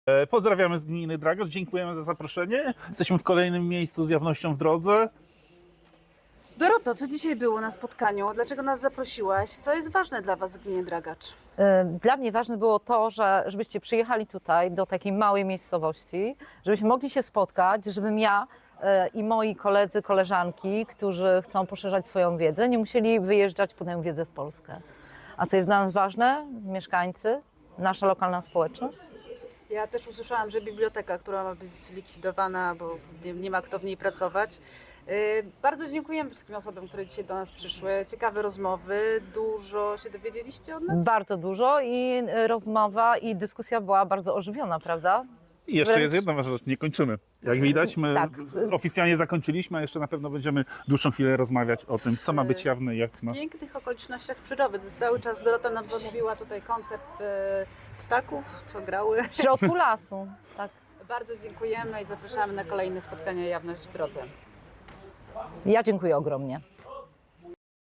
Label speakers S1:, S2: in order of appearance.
S1: Pozdrawiamy z gminy Dragacz, dziękujemy za zaproszenie. Jesteśmy w kolejnym miejscu z jawnością w drodze.
S2: Doroto, co dzisiaj było na spotkaniu? Dlaczego nas zaprosiłaś? Co jest ważne dla Was w gminie Dragacz?
S3: Dla mnie ważne było to, żebyście przyjechali tutaj do takiej małej miejscowości, żebyśmy mogli się spotkać, żebym ja i moi koledzy, koleżanki, którzy chcą poszerzać swoją wiedzę, nie musieli wyjeżdżać po tę wiedzę w Polskę. A co jest dla nas ważne? Mieszkańcy, nasza lokalna społeczność.
S2: Ja też usłyszałam, że biblioteka, która ma być zlikwidowana, bo nie ma kto w niej pracować. Bardzo dziękujemy wszystkim osobom, które dzisiaj do nas przyszły. Ciekawe rozmowy. Dużo się dowiedzieliście od nas?
S3: Bardzo dużo i rozmowa i dyskusja była bardzo ożywiona, prawda?
S1: I jeszcze
S3: Wręcz-
S1: jest jedna ważna rzecz, nie kończymy. Jak widać, my
S3: Tak.
S1: oficjalnie zakończyliśmy, a jeszcze na pewno będziemy dłuższą chwilę rozmawiać o tym, co ma być jawne i jak ma.
S2: W pięknych okolicznościach przyrody. Cały czas Dorota nam zamówiła tutaj koncert ptaków, co grały.
S3: W środku lasu. Tak.
S2: Bardzo dziękujemy i zapraszamy na kolejne spotkania Jawność w Drodze.
S3: Ja dziękuję ogromnie.